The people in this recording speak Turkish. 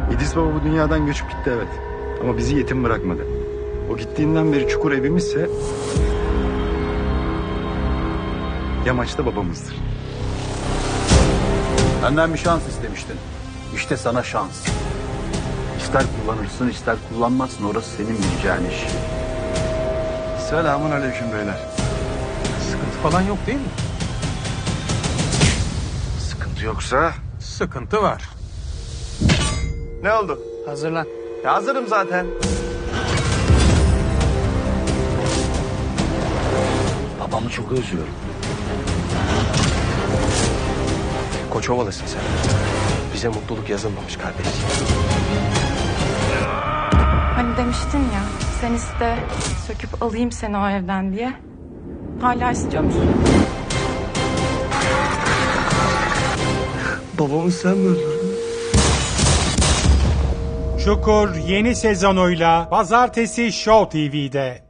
İdris Baba bu dünyadan göçüp gitti evet. Ama bizi yetim bırakmadı. O gittiğinden beri çukur evimizse... yamaçta babamızdır. Benden bir şans istemiştin. İşte sana şans. İster kullanırsın ister kullanmazsın. Orası senin bileceğin iş. Selamun aleyküm beyler. Sıkıntı falan yok değil mi? Sıkıntı yoksa... Sıkıntı var. Ne oldu? Hazırlan. Ya hazırım zaten. Babamı çok özlüyorum. Koçovalısın sen. Bize mutluluk yazılmamış kardeş. Hani demiştin ya, sen iste, söküp alayım seni o evden diye. Hala istiyor musun? Babamı sen mi öldürdün? Çukur yeni sezonuyla Pazartesi Show TV'de.